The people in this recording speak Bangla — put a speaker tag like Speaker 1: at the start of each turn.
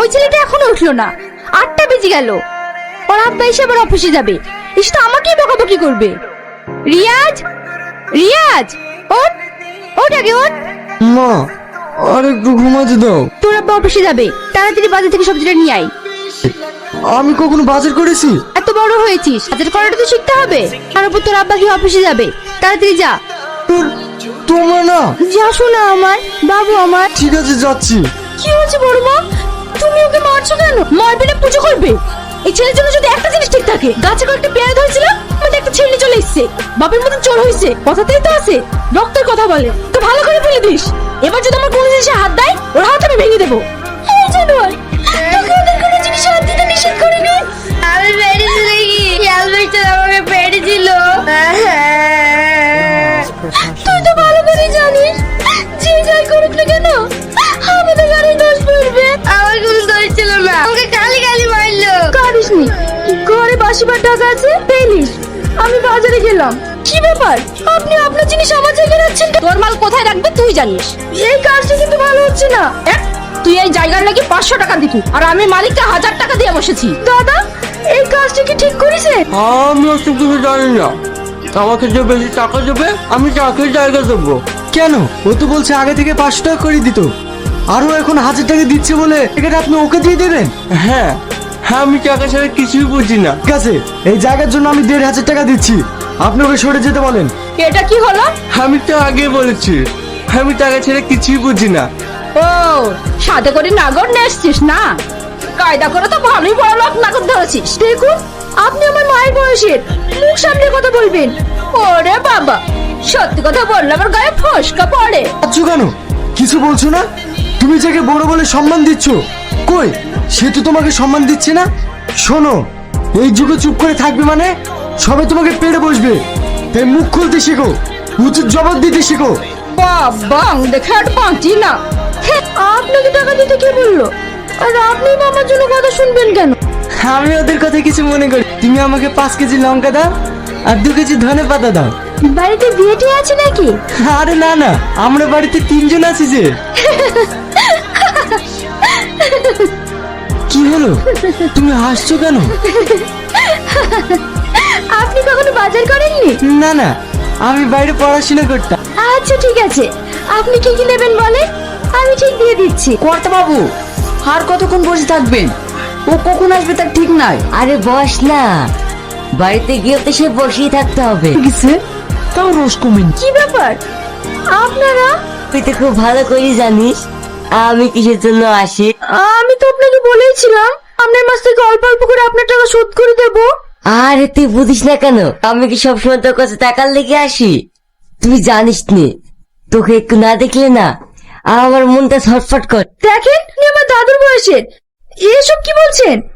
Speaker 1: ওই ছেলেটা এখনো উঠলো না, 8টা বেজে গেল। ওর আব্বা এসে আবার অফিসে যাবে, এসে তো আমাকেই বকাবকি করবে। রিয়াজ, রিয়াজ, ওঠ ওঠ, আগে ওঠ।
Speaker 2: মা আর একটু ঘুমাতে দাও।
Speaker 1: তোর আব্বা অফিসে যাবে, তাড়াতাড়ি বাজার থেকে সবজিটা নিয়ে আয়।
Speaker 2: আমি কখনো বাজার করেছি?
Speaker 1: এত বড় হয়েছিস, বাজার করাটা তো শিখতে হবে। আর উপর তোর আব্বা কি অফিসে যাবে, তাড়াতাড়ি যা।
Speaker 2: তোমার না।
Speaker 1: যা শোনা আমার বাবু আমার।
Speaker 2: ঠিক আছে যাচ্ছি।
Speaker 1: কি হচ্ছে বড় মা, তুমি ওকে মারছো কেন? মারবে না পুজো করবে? এই ছেলের জন্য যদি একটা জিনিস ঠিক থাকে, গাছে কয়েকটা পেয়ারা ধরেছিল, আমাদের একটা ছেলে চলে এসছে, বাপের মতন চোর হয়েছে, কথাতেই তো আছে রক্তের কথা বলে। তো ভালো করে বলে দিস, এবার যদি আমার কোনো জিনিসে হাত দেয়, ওর হাত আমি ভেঙে দেবো। এই জানোয়ার, তোকে ওদের কোনো জিনিসে হাত দিতে নিষেধ করিনি।
Speaker 3: আমি পেরেছি নাকি? অ্যালবার্টন আমাকে পেরেছিল।
Speaker 1: তুই তো ভালো করে জানিস, যে যাই করুক না কেন আমাদের গাড়ি দোষ পড়বে।
Speaker 3: আমার কোনো দোষ ছিল না, আমাকে গালি গালি মারলো।
Speaker 1: কারিসনি, ঘরে বাসিবার টাকা আছে পেলিস। আমি বাজারে গেলাম, কি ব্যাপার আপনি আপনার জিনিস আমার জায়গায় রাখছেন? তোর মাল কোথায় রাখবে তুই জানিস। এই কাজটা কিন্তু ভালো হচ্ছে না। তুই এই জায়গার লাগি 500 টাকা দিবি, আর আমি মালিককে 1000 টাকা দিয়ে বসেছি। দাদা, এই কাজটা কি ঠিক করেছে?
Speaker 2: আমি ওসব কিছু জানি না। আমাকে যে বেশি টাকা দেবে আমি তাকে জায়গা দেবো। কেন? ও তো বলছে আগে থেকে 500 টাকা করে দিত, আরো এখন 1000 টাকা দিচ্ছে বলে এটা আপনি ওকে দিয়ে দেবেন? হ্যাঁ হ্যাঁ, আমি টাকা ছাড়া কিছুই বুঝি না। ঠিক আছে, এই জায়গার জন্য আমি 1500 টাকা দিচ্ছি, আপনি ওকে সরে যেতে বলেন।
Speaker 1: এটা কি হলো?
Speaker 2: আমি তো আগে বলেছি আমি টাকা ছেড়ে কিছুই বুঝি না।
Speaker 1: ও, সাথে করে নাগর নিয়ে এসছিস না? কায়দা করে তো ভালোই বড় লোক নাগর ধরেছিস। দেখুন, আপনি আমার মায়ের বয়সের, মুখ সামনে কথা বলবেন। ওরে বাবা, সত্যি কথা বললে আমার গায়ে ফসকা পড়ে।
Speaker 2: আচ্ছা কেন কিছু বলছো না? তুমি যাকে বড় বলে সম্মান দিচ্ছ, কই সে তো তোমাকে সম্মান দিচ্ছে না। শোনো, এই যুগে চুপ করে থাকবে মানে সবাই তোমাকে পেড়ে বসবে, তাই মুখ খুলতে শেখো, উচিত জবাব দিতে শেখো।
Speaker 1: বাবা, দেখে আর পাঁচি না। আপনাকে টাকা দিতে কে বললো? আর আপনি আমার জন্য কথা শুনবেন কেন?
Speaker 2: আমি ওদের কথা কিছু মনে করি। তুমি আমাকে 5 কেজি লঙ্কা দাও আর 2 কেজি ধনে পাতা দাও।
Speaker 1: বাড়িতে বিয়েটি আছে নাকি?
Speaker 2: আরে না না, আমরা বাড়িতে 3 জন আছি যে। কি হলো, তুমি হাসছো কেন?
Speaker 1: আপনি কখনো বাজার করেননি?
Speaker 2: না না, আমি বাইরে পড়াশোনা করতাম।
Speaker 1: আচ্ছা ঠিক আছে, আপনি কি কি নেবেন বলে, আমি ঠিক দিয়ে দিচ্ছি।
Speaker 4: কর্তা বাবু, আর কতক্ষণ বসে থাকবেন? ও কখন আসবে তার ঠিক নাই।
Speaker 5: আরে বস না, বাড়িতে গিয়ে তো সে বসেই থাকতে হবে।
Speaker 4: তাও রোজ কমেন।
Speaker 1: কি ব্যাপার আপনারা?
Speaker 5: তুই তো খুব ভালো করে জানিস আমি কিসের জন্য আসি।
Speaker 1: আমি তো আপনাকে বলেইছিলাম আপনার মাস থেকে অল্প অল্প করে আপনার টাকা শোধ করে দেব।
Speaker 5: আরে তুই বুঝিস না কেন, আমি কি সবসময় তোর কাছে টাকার লেগে আসি? তুই জানিস নে, তোকে একটু না দেখলে না আমার মনটা ছটফট কর।
Speaker 1: দেখেন, আপনি আমার দাদুর বয়সের, এসব কি বলছেন?